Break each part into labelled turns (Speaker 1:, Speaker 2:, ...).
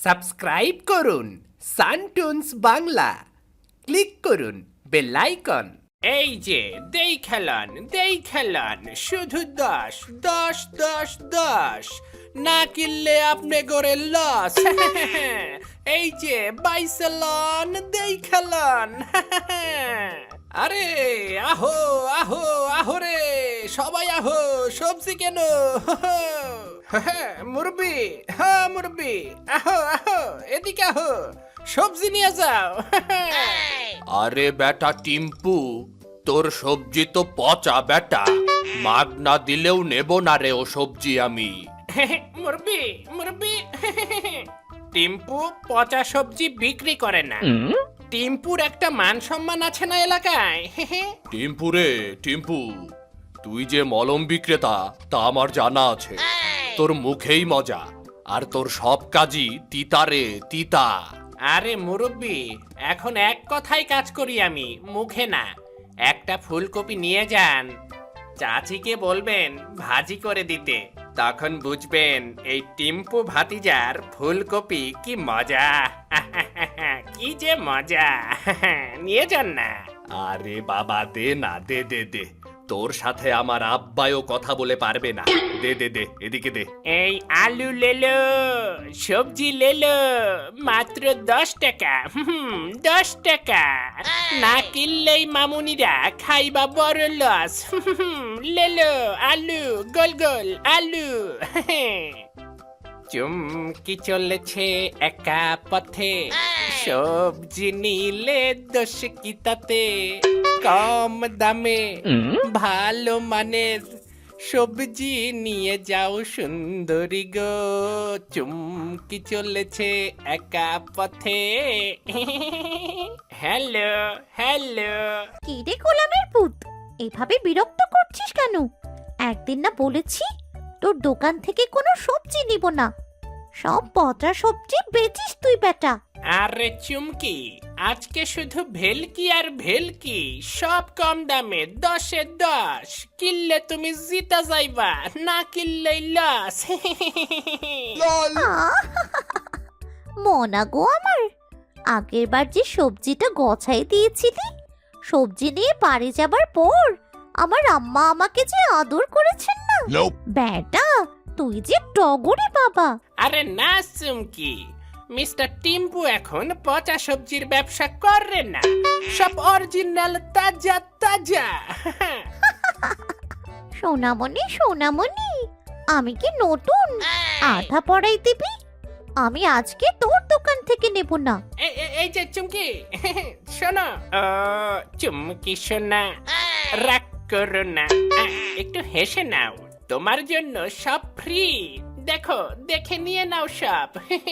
Speaker 1: Subscribe করুন সানটুনস Bangla, click করুন বেল আইকন। এই যে দেই খেলান শুধু 10 10 10 10, না কিনলে আপনি গড়ে লস। এই যে বাইসেলন দেই খেলান। আরে আহো আহো আহো রে সবাই আহো, সবজি কেন? মুরবি, হ্যাঁ মুরবি, আহো আহো এদিকে আহো, সবজি নিয়ে যাও। আরে বেটা টিম্পু, তোর সবজি তো পচা বেটা, মাগ না দিলেও নেব না রে ও সবজি আমি। মুরবি মুরবি, টিম্পু পচা সবজি বিক্রি করে না। টিম্পুর একটা মান সম্মান আছে না এলাকায়। টিম্পু রে টিম্পু, তুই যে মলম বিক্রেতা তা আমার জানা আছে। তোর মুখেই মজা, আর তোর সব কাজই তিতা রে তিতা। আরে মুরব্বি, এখন এক কথাই কাজ করি আমি, মুখে না। একটা ফুলকপি নিয়ে যান, চাচিকে বলবেন ভাজি করে দিতে, তখন বুঝবেন এই টিম্পু ভাতিজার ফুলকপি কি মজা। কি যে মজা, নিয়ে যান না। আরে বাবা দে না, দে দে দে, তোর সাথে আমার আব্বায়ও কথা বলে পারবে না। দে দে দে, এদিকে দে। এই আলু লেলো, সবজি লেলো, মাত্র 10 টাকা। 10 টাকা না কিনলেই মামুনিরা খাইবা বড় লস। লেলো আলু, গোল গোল আলু। চুমকি চলেছে একা পথে, সবজি নিলে দোষ কি তাতে? কম দামে ভালো মানের সবজি নিয়ে যাও সুন্দরী গো, চুমকি চলেছে একা পথে। Hello hello.
Speaker 2: কি রে গোলামের পুত, এভাবে বিরক্ত করছিস কেন? একদিন না বলেছি তোর দোকান থেকে কোনো সবজি নিব না, সব পচা সবজি বেচিস তুই বেটা।
Speaker 1: আরে চুমকি, আজকে শুধু ভেলকি আর ভেলকি, সব কম দামে 10-এ 10। কিনলে তুমি জিতা যাইবা, না কিনলেই লস।
Speaker 2: মনা গো আমার, আগের বার যে সবজিটা গছাই দিয়েছিলি, সবজি নিয়ে বাড়ি যাবার পর আমার আম্মা আমাকে যে আদর করেছেন না, বেটা তুই যে টগরে বাবা।
Speaker 1: আরে না চুমকি, মিস্টার টিম্পু এখন পচা সবজির ব্যবসা করে না, সব অরিজিনাল তাজা তাজা।
Speaker 2: সোনামণি সোনামণি, আমি কি নতুন? আধা পড়াই দিবি? আমি আজকে তোর দোকান থেকে নেব না।
Speaker 1: এই যে চুমকি, শোনো। চুমকি শোনা, রাগ করো না, একটু হেসে নাও, তোমার জন্য সব ফ্রি। দেখো, দেখে নিয়ে নাও সব।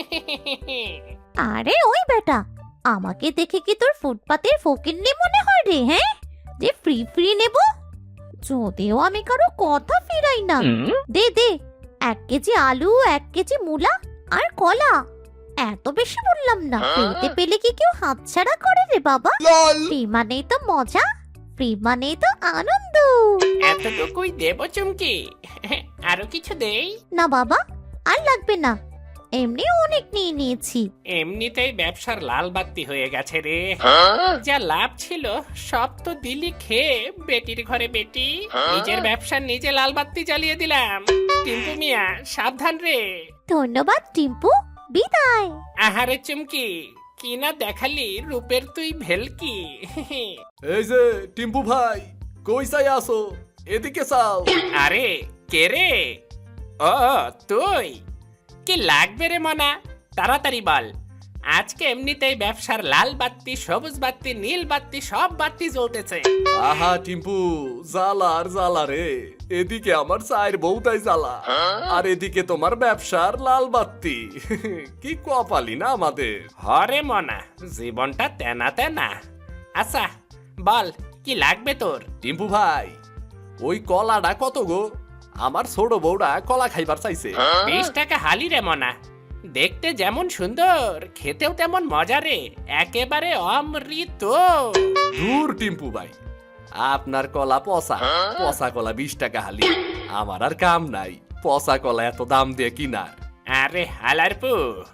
Speaker 2: আরে ওই বেটা, আমাকে দেখে কি তোর ফুটপাতের ফকিন্নি মনে হয় রে? হ্যাঁ, যে ফ্রি ফ্রি নেব? যদিও আমি কারো কথা ফিরাই না। দে দে, 1 কেজি আলু, 1 কেজি মূলা আর কলা। এত বেশি বললাম না, ফ্রিতে পেলে কি কেউ হাতছাড়া করে রে বাবা? ফ্রি মানেই তো মজা, ফ্রি মানেই তো আনন্দ।
Speaker 1: এতটুকুই দেব চুমকি, আরো কিছু দেই?
Speaker 2: না বাবা, আর লাগবে না, এমনি অনেক নিয়ে নিয়েছি।
Speaker 1: এমনিতেই ব্যবসার লাল বাতি হয়ে গেছে রে, যা লাভ ছিল সব তো দিলি খেয়ে, বেটির ঘরে বেটি। নিজের ব্যবসা নিজে লাল বাতি জ্বালিয়ে দিলাম। টিম্পু মিয়া সাবধান রে।
Speaker 2: ধন্যবাদ টিম্পু, বিদায়।
Speaker 1: আহারে চুমকি, কি না দেখালি রূপের তুই ভেলকি।
Speaker 3: এই যে টিম্পু ভাই, কই চাই আসো, এদিকে চাও।
Speaker 1: আরে কে রে? ও তুই, কি লাগবে রে মনা, তাড়াতাড়ি বল। আজকে এমনিতেই ব্যবসার লাল বাতি, সবুজ বাতি, নীল বাতি, সব বাতি জ্বলতেছে।
Speaker 3: আহা টিম্পু, জ্বালা আর জ্বালা রে, এদিকে আমার চায়ের বউটাই জ্বালা, আর এদিকে তোমার ব্যবসার লাল বাতি। কি কপালি না আমাদের।
Speaker 1: হরে মনা, জীবনটা তেনা তেনা। আচ্ছা বল, কি লাগবে তোর?
Speaker 3: টিম্পু ভাই, ওই কলাটা কত গো? আমার ছোট বউটা কলা খাইবার চাইছে।
Speaker 1: 20 টাকা হালি রে মনা, দেখতে যেমন সুন্দর, খেতেও তেমন মজা রে, একেবারে অমৃত।
Speaker 3: দূর টিম্পু ভাই, আপনার কলা পচা, পচা কলা 20 টাকা হালি। আমার আর কাম নাই পচা কলা এত দাম দিয়ে কিনার।
Speaker 1: আরে হালারপু,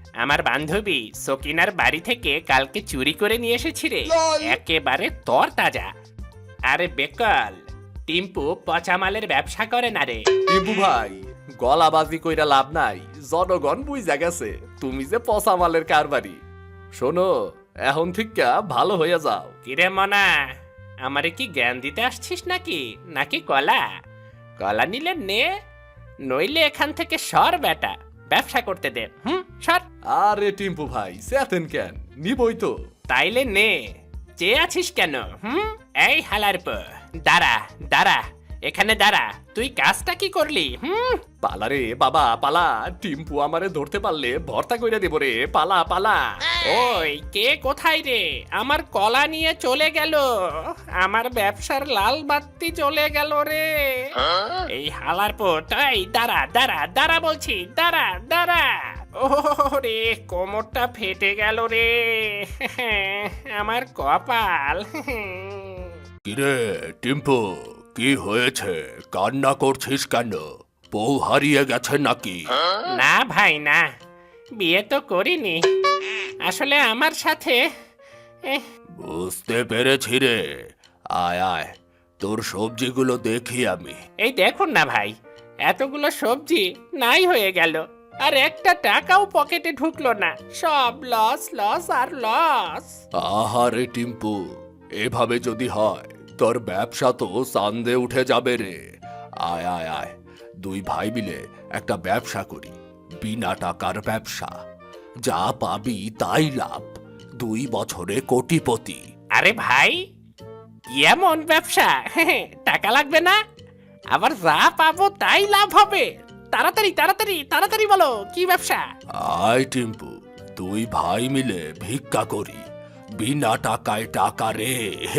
Speaker 1: আমার বান্ধবী সকিনার বাড়ি থেকে কালকে চুরি করে নিয়ে এসেছি রে, একেবারে তর তাজা। আরে বেকল, টিম্পু পচা মালের ব্যবসা করে না রে।
Speaker 3: টিম্পু ভাই, গলাবাজি কইরা লাভ নাই, জনগণ বুঝা গেছে তুমি যে পচা মালের কারবারি। শোনো, এখন থেকে ভালো হয়ে যাও।
Speaker 1: কিরে মনা, আমারে কি জ্ঞান দিতে আসছিস নাকি নাকি কলা? কলা নিলে নে, নইলে এখান থেকে সর বেটা, ব্যবসা করতে দে। সর।
Speaker 3: আরে টিম্পু ভাই, চেতেন কেন, নিবই তো।
Speaker 1: তাইলে নে, চেয়ে আছিস কেন? এই হালার পো, দাঁড়া দাঁড়া, এখানে দাঁড়া। তুই কাজটা কি করলি?
Speaker 3: পালা রে বাবা পালা, টিম্পু আমারে ধরতে পারলে ভর্তা কইরা দেব রে, পালা পালা।
Speaker 1: ওই কে কোথায় রে? আমার কলা নিয়ে চলে গেল, আমার ব্যবসার লাল বাতি চলে গেল রে। এই হালার পোটাই, দাঁড়া দাঁড়া দাঁড়া বলছি, দাঁড়া দাঁড়া। ও রে, কোমরটা ফেটে গেল রে, আমার কপাল।
Speaker 4: কিরে টিম্পু, কি হয়েছে? কান্না করছিস কেন? বউ হারিয়ে গেছে নাকি?
Speaker 1: না ভাই না, বিয়ে তো করিনি, আসলে আমার সাথে
Speaker 4: বুঝতে পেরেছি রে। আয় আয়, তোর সবজিগুলো দেখি আমি।
Speaker 1: এই দেখুন না ভাই, এতগুলো সবজি নাই হয়ে গেল, আর একটা টাকাও পকেটে ঢুকলো না, সব লস লস আর লস।
Speaker 4: আহারে টিম্পু, এভাবে যদি হয় তোর ব্যবসা তো চাঁদে উঠে যাবে রে। আয় আয় আয়, দুই ভাই মিলে একটা ব্যবসা করি, বিনা টাকার ব্যবসা। যা পাবি তাই লাভ, 2 বছরে কোটিপতি।
Speaker 1: আরে ভাই, কি এমন ব্যবসা টাকা লাগবে না, আবার যা পাবো তাই লাভ হবে? তাড়াতাড়ি তাড়াতাড়ি তাড়াতাড়ি বলো, কি ব্যবসা?
Speaker 4: আয় টিম্পু, দুই ভাই মিলে ভিক্ষা করি, বিনা টাকায় টাকা রে।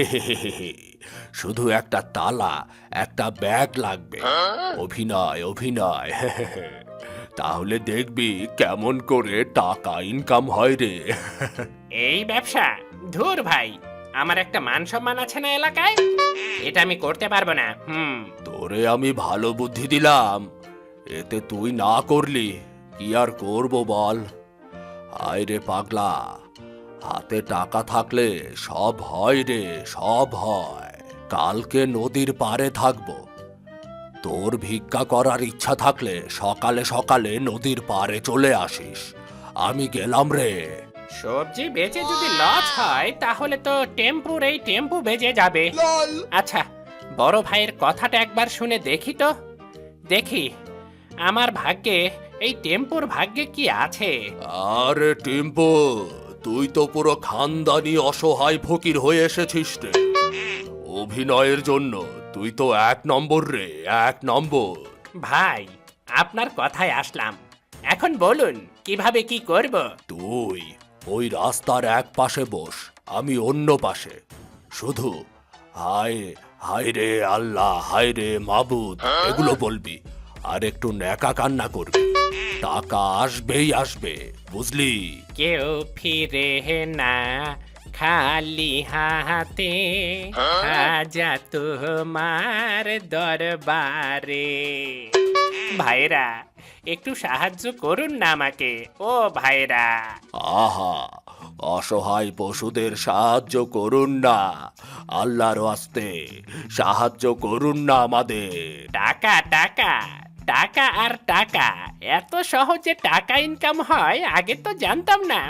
Speaker 4: শুধু একটা তালা, একটা ব্যাগ লাগবে। অভিনয় অভিনয়। তাহলে দেখবি কেমন করে টাকা ইনকাম হয় রে।
Speaker 1: এই ব্যবসা? ধুর ভাই, আমার একটা মান সম্মান আছে না এলাকায়, এটা আমি করতে পারবো না।
Speaker 4: তোরে আমি ভালো বুদ্ধি দিলাম, এতে তুই না করলি, কি আর করবো বল। আয় রে পাগলা, হাতে টাকা থাকলে সব হয় রে, সব হয়। কালকে নদীর পাড়ে থাকবো, তোর ভিক্ষা করার ইচ্ছা থাকলে সকালে সকালে নদীর পাড়ে চলে আসিস। আমি গেলাম রে।
Speaker 1: সবজি বেচে যদি লস হয় তাহলে তো টেম্পুর এই টেম্পু বেজে যাবে। আচ্ছা, বড় ভাইয়ের কথাটা একবার শুনে দেখি তো, দেখি আমার ভাগ্যে, এই টেম্পুর ভাগ্যে কি আছে।
Speaker 4: আরে টিম্পু, তুই তো পুরো খানদানি অসহায় ফকির হয়ে এসেছিস রে। অভিনয়ের জন্য তুই তো 1 নম্বর রে, 1 নম্বর।
Speaker 1: ভাই, আপনার কথায় আসলাম, এখন বলুন কিভাবে কি করব?
Speaker 4: তুই ওই রাস্তার এক পাশে বস, আমি অন্য পাশে। শুধু হায় হায় রে আল্লাহ, হায় রে মাবুদ এগুলো বলবি, আর একটু ন্যাকা কান্না করবি। টাকা আসবেই আসবে, বুঝলি?
Speaker 1: কেউ ফিরে না খালি হাতে, হাজা তোমার দরবারে। ভাইরা, একটু সাহায্য করুন না আমাকে, ও ভাইরা।
Speaker 4: আহা, অসহায় পশুদের সাহায্য করুন না, আল্লাহর আস্তে সাহায্য করুন না আমাদের।
Speaker 1: টাকা টাকা টাকা আর টাকা, এত সহজে টাকা ইনকাম হয় আগে তো জানতাম না।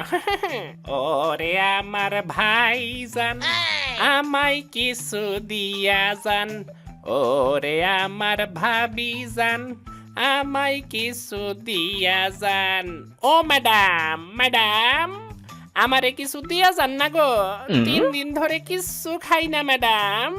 Speaker 1: ওরে আমার ভাইজান, আমায় কিছু দিয়া যান। ওরে আমার ভাবিজান, আমায় কিছু দিয়া যান। ও ম্যাডাম ম্যাডাম, আমারে কিছু দিয়া যান না গো, 3 দিন ধরে কিছু খাই না ম্যাডাম।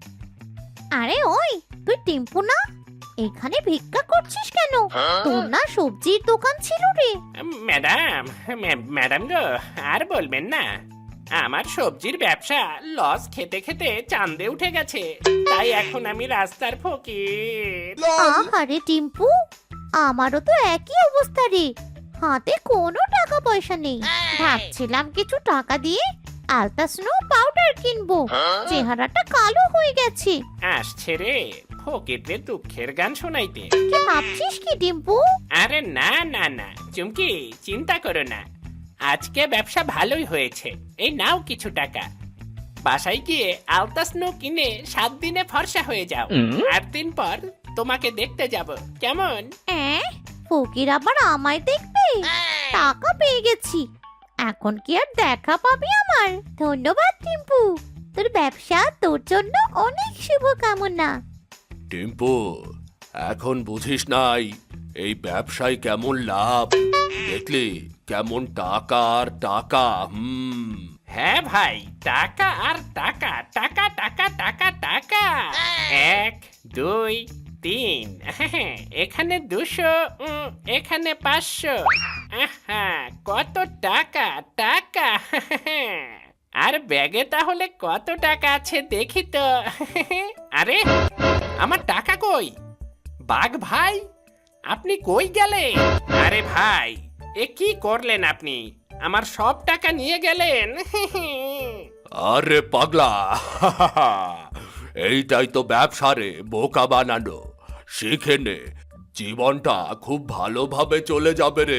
Speaker 2: আরে ওই, তুই টিম্পু না? এখানে ভিক্ষা করছিস কেন? তোর না সবজির দোকান ছিল রে?
Speaker 1: ম্যাডাম, ম্যাডাম গো, আর বলবেন না, আমার সবজির ব্যবসা লস খেতে খেতে চাঁদে উঠে গেছে, তাই এখন আমি রাস্তার ফকির।
Speaker 2: আহারে টিম্পু, আমারও তো একই অবস্থা রে, হাতে কোনো টাকা পয়সা নেই। ভাবছিলাম কিছু টাকা দিয়ে আলতা স্নো পাউডার কিনবো, চেহারাটা কালো হয়ে গেছে।
Speaker 1: আসছে রে ফকিরদের দুঃখের গান শোনাইতে।
Speaker 2: কি ভাবছিস কি টিম্পু?
Speaker 1: আরে না না না চুমকি, চিন্তা করো না, আজকে ব্যবসা ভালোই হয়েছে, এই নাও কিছু টাকা। বাসায় গিয়ে আলতা স্নো কিনে 7 দিনে ফর্সা হয়ে যাও। 8 দিন পর তোমাকে দেখতে যাব, কেমন?
Speaker 2: ফকির আবার আমায় দেখবে? টাকা পেয়ে গেছি, এখন কি আর দেখা পাবি আমার? ধন্যবাদ টিম্পু, তোর ব্যবসা তোর জন্য অনেক শুভকামনা।
Speaker 4: টিম্পু, এখন বুঝিস নাই এই ব্যবসায় কেমন লাভ? দেখলি কেমন টাকা আর টাকা।
Speaker 1: হ্যাঁ ভাই, টাকা আর টাকা, টাকা টাকা টাকা টাকা। 1 2 3, এখানে 200, এখানে 500। আহা, কত টাকা টাকা। আর ব্যাগে তাহলে কত টাকা আছে দেখি তো। আরে, আমার টাকা কই? বাঘ ভাই, আপনি কই গেলেন? আরে ভাই, এ কি করলেন আপনি? আমার সব টাকা নিয়ে গেলেন।
Speaker 4: আরে পাগলা, এইটাই তো ব্যবসা রে, বোকা বানানো। শিখে নে, জীবনটা খুব ভালোভাবে চলে যাবে রে।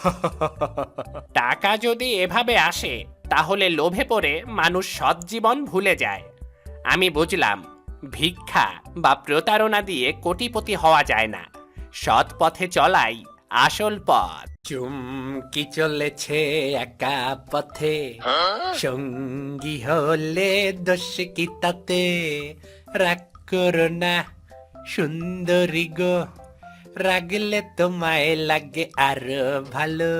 Speaker 1: টাকা যদি এভাবে আসে, তাহলে লোভে পড়ে মানুষ সৎ জীবন ভুলে যায়। আমি বুঝলাম, ভিক্ষা বা প্রতারণা দিয়ে কোটিপতি হওয়া যায় না, সৎ পথে চলাই আসল পথ।
Speaker 5: চুমকি চলেছে একা পথে, সঙ্গী হলে দোষ কি তাতে? রাগ করো না সুন্দরী গো, রাগলে তোমায় লাগে আরো ভালো।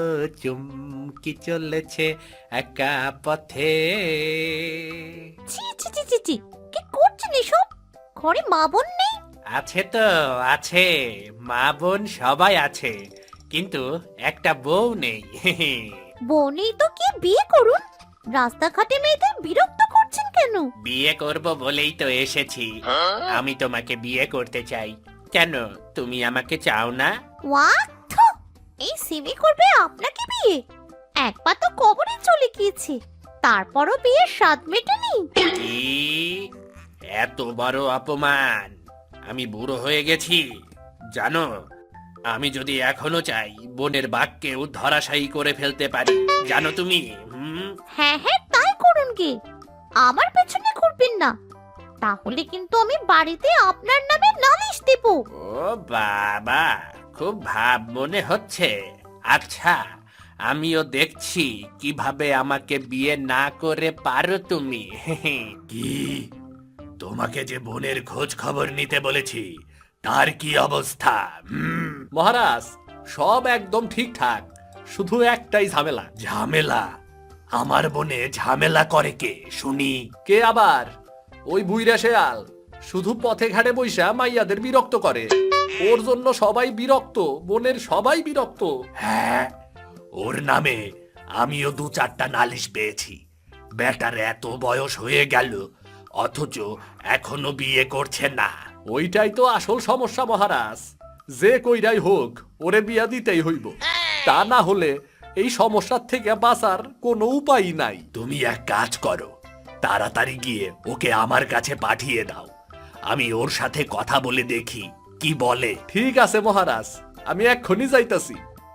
Speaker 5: চুমকি চলেছে একা পথে।
Speaker 2: ছি ছি ছি ছি ছি, কি করছেন এসব? ঘরে মা বোন নেই?
Speaker 5: আছে তো আছে, মা বোন সবাই আছে, কিন্তু একটা বউ নেই।
Speaker 2: বউ নেই তো কি বিয়ে করুন? রাস্তাঘাটে মেয়েদের বিরক্ত করছেন কেন?
Speaker 5: বিয়ে করব বলেই তো এসেছি। আমি তোমাকে বিয়ে করতে চাই। কেন, তুমি আমাকে চাও না?
Speaker 2: ওয়াক, এই সিমি করবে আপনাকে বিয়ে? এক পা তো কবরে চলে গিয়েছে, তারপরও বিয়ের স্বাদ মেটেনি?
Speaker 5: কি এত বড় অপমান! আমি বুড়ো হয়ে গেছি জানো? আমি যদি এখনো চাই, বনের বাঘকেও ধরাশায়ী করে ফেলতে পারি, জানো তুমি?
Speaker 2: হ্যাঁ হ্যাঁ, তাই করুন গে, আমার পেছনে ঘুরবেন না, তাহলে কিন্তু আমি বাড়িতে আপনার নামে নালিশ দেব।
Speaker 5: ও বাবা, খুব ভাব মনে হচ্ছে। আচ্ছা, আমিও দেখছি কিভাবে আমাকে বিয়ে না করে পারো তুমি। কি, তোমাকে যে বোনের খোঁজ খবর নিতে বলেছি, তার কি অবস্থা?
Speaker 3: মহারাজ, সব একদম ঠিকঠাক, শুধু একটাই ঝামেলা।
Speaker 5: ঝামেলা? আমার বোনে ঝামেলা করে কে শুনি?
Speaker 3: কে আবার? ওই বুইরা শেয়াল, শুধু পথে ঘাটে বইসা মাইয়াদের বিরক্ত করে। ওর জন্য সবাই বিরক্ত, বনের সবাই বিরক্ত।
Speaker 5: হ্যাঁ, ওর নামে আমিও 2-4টা নালিশ পেয়েছি। বেটার এত বয়স হয়ে গেল, অথচ এখনো বিয়ে করছে না।
Speaker 3: ওইটাই তো আসল সমস্যা মহারাজ। যে কইরাই হোক, ওরে বিয়া দিতেই হইব, তা না হলে এই সমস্যার থেকে বাঁচার কোনো উপায় নাই।
Speaker 5: তুমি এক কাজ করো, তাড়াতাড়ি গিয়ে ওকে আমার কাছে পাঠিয়ে দাও। আমি ওর সাথে কথা বলে দেখি কি বলে।
Speaker 3: ঠিক আছে মহারাজ, আমি এক্ষুনি যাইতাছি।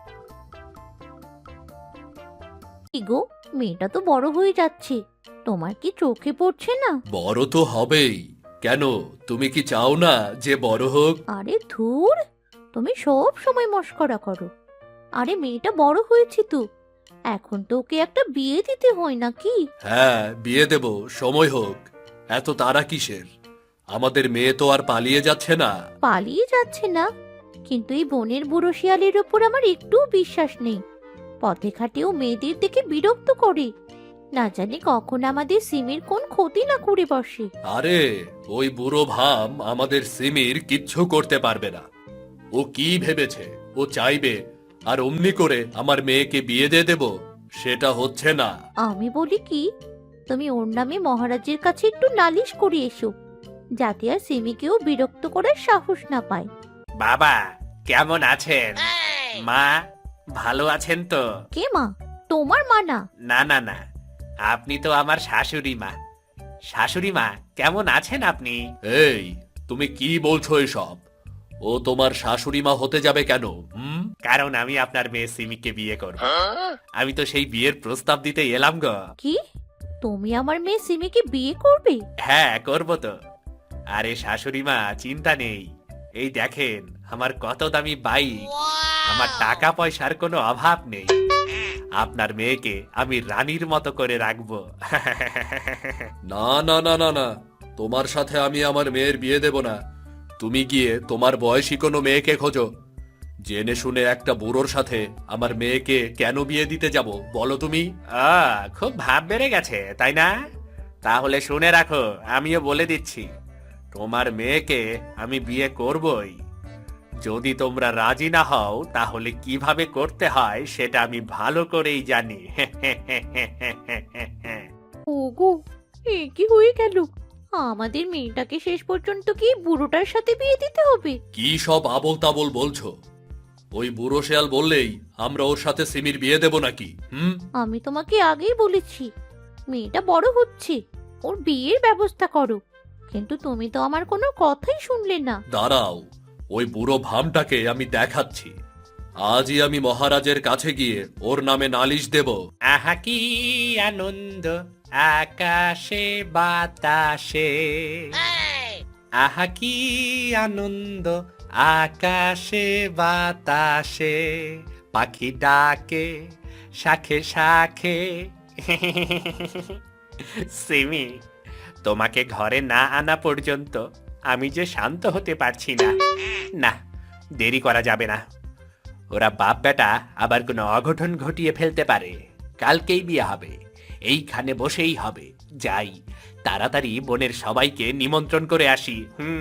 Speaker 2: কি গো, মেয়েটা তো বড় হয়ে যাচ্ছে, তোমার কি চোখে পড়ছে না?
Speaker 4: বড় তো হবেই, কেন তুমি কি চাও না যে বড় হোক?
Speaker 2: আরে ধুর, তুমি সব সময় মস্করা করো। আরে মেয়েটা বড় হয়েছে তো, এখন তো ওকে একটা বিয়ে দিতে হয় নাকি?
Speaker 4: হ্যাঁ, বিয়ে দেব, সময় হোক। এত তাড়া কিসের? আমাদের মেয়ে তো আর পালিয়ে যাচ্ছে না।
Speaker 2: পালিয়ে যাচ্ছে না, কিন্তু এই বনের বুড়ো শিয়ালের ওপর আমার একটু বিশ্বাস নেই। পথে ঘাটেও মেয়েদের দেখে বিরক্ত করে, না জানি কখন আমাদের সিমির কোন ক্ষতি না করে বসে।
Speaker 4: আরে, ওই বুড়ো ভাম আমাদের সিমির কিচ্ছু করতে পারবে না। ও কি ভেবেছে ও চাইবে আর অমনি করে আমার মেয়েকে বিয়ে দিয়ে দেব? সেটা হচ্ছে না।
Speaker 2: আমি বলি কি, তুমি ওর নামে মহারাজের কাছে একটু নালিশ করে এসো, যাতে আর সিমিকেও বিরক্ত করার সাহস না পায়।
Speaker 5: বাবা কেমন আছেন? মা ভালো আছেন তো?
Speaker 2: কে মা? তোমার মা না?
Speaker 5: না না না, আপনি তো আমার শাশুড়ি মা। শাশুড়ি মা কেমন আছেন আপনি?
Speaker 4: এই, তুমি কি বলছো এসব? ও তোমার শাশুড়ি মা হতে যাবে কেন?
Speaker 5: কারণ আমি আপনার মেয়ে সিমিকে বিয়ে করব। আমি তো সেই বিয়ের প্রস্তাব দিতে এলাম গো।
Speaker 2: কি তুমি আমার মেয়ে সিমিকে বিয়ে করবে?
Speaker 5: হ্যাঁ, করব তো। আরে শাশুড়ি মা, চিন্তা নেই। এই দেখেন আমার কত দামি বাইক, আমার টাকা পয়সার কোনো অভাব নেই। আপনার মেয়েকে আমি রানীর মতো করে রাখবো।
Speaker 4: না না না না না, তোমার সাথে আমি আমার মেয়ের বিয়ে দেব না। তুমি গিয়ে তোমার বয়সী কোনো মেয়েকে খোঁজো। জেনে শুনে একটা বুড়োর সাথে আমার মেয়েকে কেন বিয়ে দিতে যাব বলো তুমি?
Speaker 5: খুব ভাব বেড়ে গেছে তাই না? তাহলে শুনে রাখো, আমিও বলে দিচ্ছি, তোমার মেয়েকে আমি বিয়ে করবই। যদি তোমরা রাজি না হও তাহলে কিভাবে করতে হয় সেটা আমি ভালো করেই জানি।
Speaker 2: ওগো, এ কি হয়ে গেল? আমাদের মেয়েটাকে শেষ পর্যন্ত কি বুড়োটার সাথে বিয়ে দিতে হবে?
Speaker 4: কি সব আবোল তাবোল বলছো? ওই বুড়ো শেয়াল বললেই আমরা ওর সাথে সিমির বিয়ে দেব নাকি?
Speaker 2: আমি তোমাকে আগেই বলেছি মেয়েটা বড় হচ্ছে, ওর বিয়ের ব্যবস্থা করো। কিন্তু তুমি তো আমার কোনো কথাই শুনলে না।
Speaker 4: দাঁড়াও, ওই বুড়ো ভামটাকে আমি দেখাচ্ছি। আজই আমি মহারাজের কাছে গিয়ে ওর নামে নালিশ দেব।
Speaker 5: আহা কি আনন্দ আকাশে বাতাসে, আহা কি আনন্দ আকাশে বাতাসে, পাখি ডাকে শাখে শাখে। সিমি, তোমাকে ঘরে না আনা পর্যন্ত আমি যে শান্ত হতে পারছি না। না, দেরি করা যাবে না। ওরা বাপ বেটা আবার কোনো অঘটন ঘটিয়ে ফেলতে পারে। কালকেই বিয়ে হবে, এইখানে বসেই হবে। যাই, তাড়াতাড়ি বোনের সবাইকে নিমন্ত্রণ করে আসি।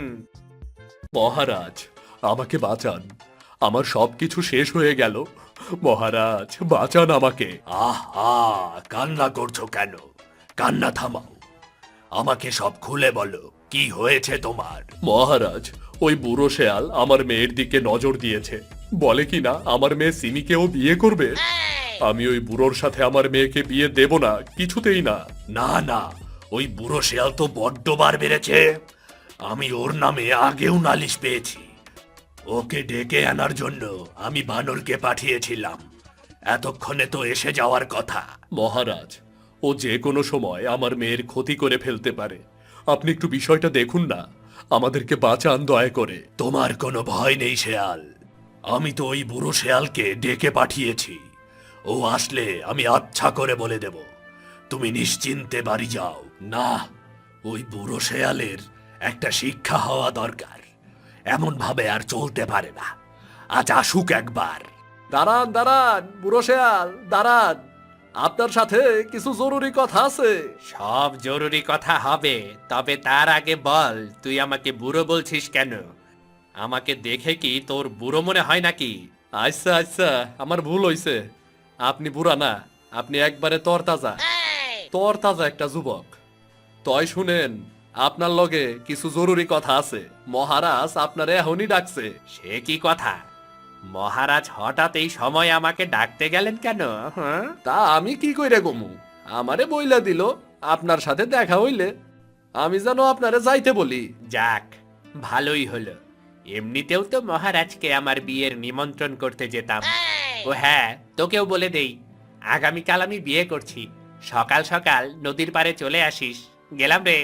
Speaker 4: মহারাজ, আমাকে বাঁচান, আমার সবকিছু শেষ হয়ে গেল। মহারাজ, বাঁচান আমাকে। আহা, কান্না করছো কেন? কান্না থামাও, আমাকে সব খুলে বলো, কি হয়েছে তোমার? মহারাজ, ওই বুড়ো শেয়াল আমার মেয়ের দিকে নজর দিয়েছে, বলে কি না আমার মেয়ে সিমিকেও বিয়ে করবে। আমি ওই বুড়োর সাথে আমার মেয়েকে বিয়ে দেব না, কিছুতেই না। না না, ওই বুড়ো শেয়াল তো বড্ড বার বেড়েছে। আমি ওর নামে আগেও নালিশ পেয়েছি। ওকে ডেকে আনার জন্য আমি বানরকে পাঠিয়েছিলাম, এতক্ষণে তো এসে যাওয়ার কথা। মহারাজ, ও যে কোনো সময় আমার মেয়ের ক্ষতি করে ফেলতে পারে, আপনি একটু বিষয়টা দেখুন না, আমাদেরকে বাঁচান দয়া করে। তোমার কোনো ভয় নেই শেয়াল, আমি তো ওই বুড়ো শেয়ালকে ডেকে পাঠিয়েছি। ও আসলে আমি আচ্ছা করে বলে দেব, তুমি নিশ্চিন্তে বাড়ি যাও। না, ওই বুড়ো শেয়ালের একটা শিক্ষা হওয়া দরকার, এমন ভাবে আর চলতে পারে না। আজ আসুক একবার।
Speaker 3: দাঁড়ান দাঁড়ান, বুড়ো শেয়াল দাঁড়ান, আপনার সাথে কিছু জরুরি কথা আছে।
Speaker 5: সব জরুরি কথা হবে, তবে তার আগে বল, তুই আমাকে বুড়ো বলছিস কেন? আমাকে দেখে কি তোর বুড়ো মনে হয় নাকি?
Speaker 3: আচ্ছা আচ্ছা, আমার ভুল হইছে। আপনি বুড়া না, আপনি একবারে তরতাজা তরতাজা একটা যুবক। তয় শুনেন, আপনার লগে কিছু জরুরি কথা আছে। মহারাজ আপনার এখনই ডাকছে।
Speaker 5: সে কি কথা? মহারাজ হঠাৎ এই সময় আমাকে ডাকতে গেলেন কেন? হ্যাঁ,
Speaker 3: তা আমি কি কইরে গমু, আমারে বইলা দিল আপনার সাথে দেখা হইলে আমি যেন আপনারে যাইতে বলি।
Speaker 5: যাক, ভালোই হলো। এমনিতেও তো মহারাজকে আমার বিয়ের নিমন্ত্রণ করতে যেতাম। ও হ্যাঁ, তোকেও বলে দেই, আগামীকাল আমি বিয়ে করছি। সকাল সকাল নদীর পাড়ে চলে আসিস। গেলাম রে।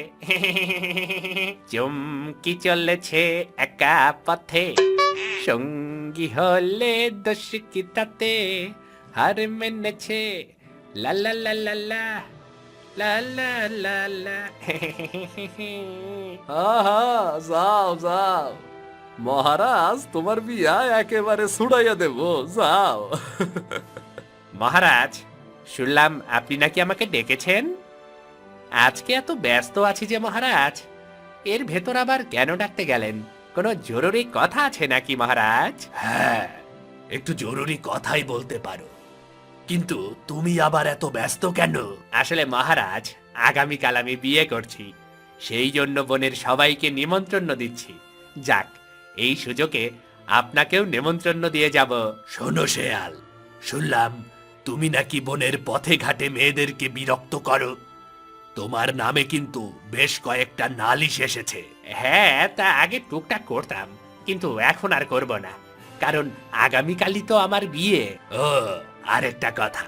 Speaker 5: চমকি চলেছে একা পথে, সঙ্গী হলে দোষ কি তাতে, হার মেনেছে লা লা লা লা লা লা লা লা লা।
Speaker 3: আহা, যাও যাও, মহারাজ তোমার বিয়া একেবারে ছুড়াইয়া দেব, যাও।
Speaker 5: মহারাজ, শুনলাম আপনি নাকি আমাকে ডেকেছেন। আজকে এত ব্যস্ত আছি যে মহারাজ, এর ভেতর আবার কেন ডাকতে গেলেন? কোনো জরুরি কথা আছে নাকি মহারাজ?
Speaker 4: হ্যাঁ, একটু জরুরি কথাই বলতে পারো, কিন্তু তুমি আবার এত ব্যস্ত কেন?
Speaker 5: আসলে মহারাজ, আগামীকাল আমি বিয়ে করছি, সেই জন্য বোনের সবাইকে নিমন্ত্রণ দিচ্ছি। যাক, এই সুযোগে আপনাকেও নিমন্ত্রণ দিয়ে যাব।
Speaker 4: শোনো শেয়াল, শুনলাম তুমি নাকি বনের পথে ঘাটে মেয়েদেরকে বিরক্ত করো। তোমার নামে কিন্তু বেশ কয়েকটা নালিশ এসেছে।
Speaker 5: হ্যাঁ, তা আগে টুকটাক করতাম, কিন্তু এখন আর করব না, কারণ আগামীকালই তো আমার বিয়ে। ও আরেকটা কথা,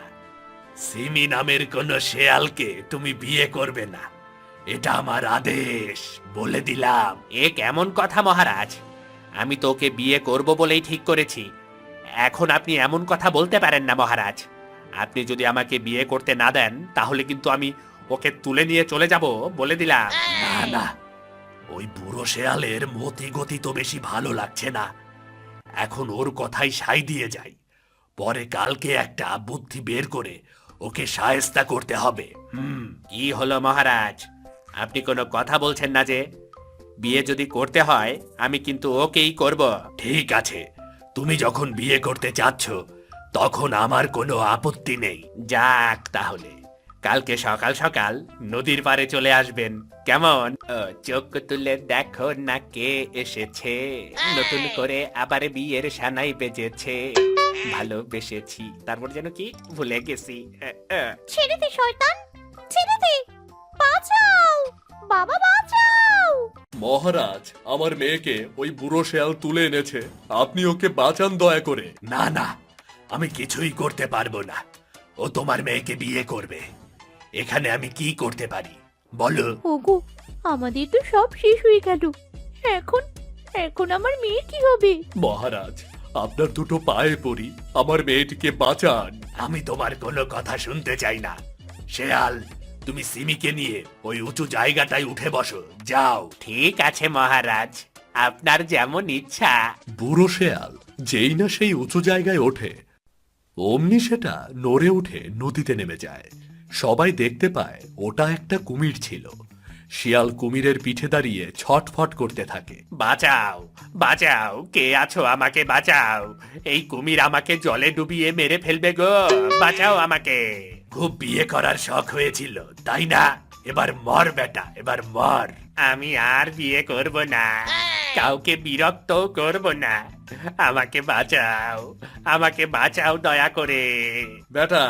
Speaker 5: সিমি নামের কোন শেয়ালকে তুমি বিয়ে করবে না, এটা আমার আদেশ, বলে দিলাম। এ কেমন কথা মহারাজ? আমি তো ওকে বিয়ে করব বলেই ঠিক করেছি। এখন আপনি এমন কথা বলতে পারেন না মহারাজ। আপনি যদি আমাকে বিয়ে করতে না দেন তাহলে কিন্তু আমি ওকে তুলে নিয়ে চলে যাব, বলে দিলাম। না না, ওই বুড়ো শেয়ালের মতি গতি তো বেশি ভালো লাগছে না। এখন ওর কথাই সাই দিয়ে যাই, পরে কালকে একটা বুদ্ধি বের করে ওকে শায়েস্তা করতে হবে। কি হলো মহারাজ, আপনি কোনো কথা বলছেন না যে? বিয়ে যদি করতে হয় আমি কিন্তু ওকেই করব। ঠিক আছে, তুমি যখন বিয়ে করতে চাচ্ছ তখন আমার কোনো আপত্তি নেই। যাক তাহলে, কালকে সকাল সকাল নদীর পাড়ে চলে আসবেন, কেমন? চোখ তুলে দেখো না কে এসেছে, নতুন করে আবার বিয়ের সানাই বেজেছে, ভালোবেসেছি, তারপর যেন কি ভুলে গেছি।
Speaker 2: ছেড়ে দে শয়তান, ছেড়ে দে, বাঁচাও বাবা, বাঁচাও।
Speaker 3: মহারাজ, আমার মেয়েকে ওই বুড়ো শেয়াল তুলে এনেছে, আপনি ওকে বাঁচান দয়া করে।
Speaker 5: না না, আমি কিছুই করতে পারবো না। ও তোমার মেয়েকে বিয়ে করবে, এখানে আমি কি করতে পারি বলো?
Speaker 2: ওগো, আমাদের তো সব শেষ হয়ে গেল, এখন এখন আমার মেয়ে কি হবে?
Speaker 3: মহারাজ, আপনার দুটো পায়ে পড়ি, আমার মেয়েটিকে বাঁচান।
Speaker 5: আমি তোমার কোনো কথা শুনতে চাই না। শেয়াল, তুমি সিমিকে নিয়ে ওই উঁচু জায়গাটায় উঠে বসো, যাও। ঠিক আছে মহারাজ, আপনার যেমন ইচ্ছা।
Speaker 3: বুড়ো শেয়াল যেই না সেই উঁচু জায়গায় ওঠে, অমনি সেটা নড়ে উঠে নদীতে নেমে যায়। সবাই দেখতে পায় ওটা একটা কুমির ছিল। শিয়াল কুমিরের পিঠে দাঁড়িয়ে ছটফট করতে থাকে।
Speaker 5: বাঁচাও বাঁচাও, কে আছো, আমাকে বাঁচাও, এই কুমির আমাকে জলে ডুবিয়ে মেরে ফেলবে গো, বাঁচাও আমাকে। খুব বিয়ে করার শখ হয়েছিল তাই না? এবার মর বেটা, এবার মর। আমি আর বিয়ে করব না, কাউকে বিরক্ত করব না, আমাকে বাঁচাও, আমাকে বাঁচাও দয়া করে।
Speaker 3: বেটা,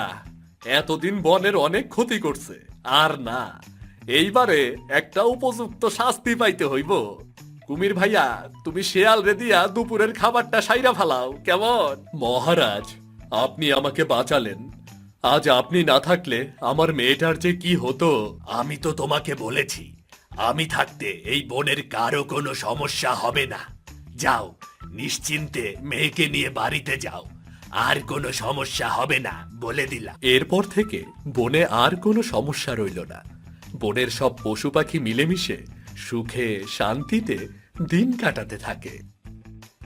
Speaker 3: এতদিন বনের অনেক ক্ষতি করছে, আর না, এইবারে একটা উপযুক্ত শাস্তি পাইতে হইব। কুমির ভাইয়া, তুমি শেয়াল রে দিয়া দুপুরের খাবারটা সাইরা ফালাও, কেমন? মহারাজ, আপনি আমাকে বাঁচালেন, আজ আপনি না থাকলে আমার মেয়েটার যে কি হতো।
Speaker 5: আমি তো তোমাকে বলেছি, আমি থাকতে এই বনের কারো কোনো সমস্যা হবে না। যাও, নিশ্চিন্তে মেয়েকে নিয়ে বাড়িতে যাও, আর কোনো সমস্যা হবে না, বলে দিলাম।
Speaker 3: এরপর থেকে বনে আর কোনো সমস্যা রইল না। বনের সব পশু পাখি মিলেমিশে সুখে শান্তিতে দিন কাটাতে থাকে।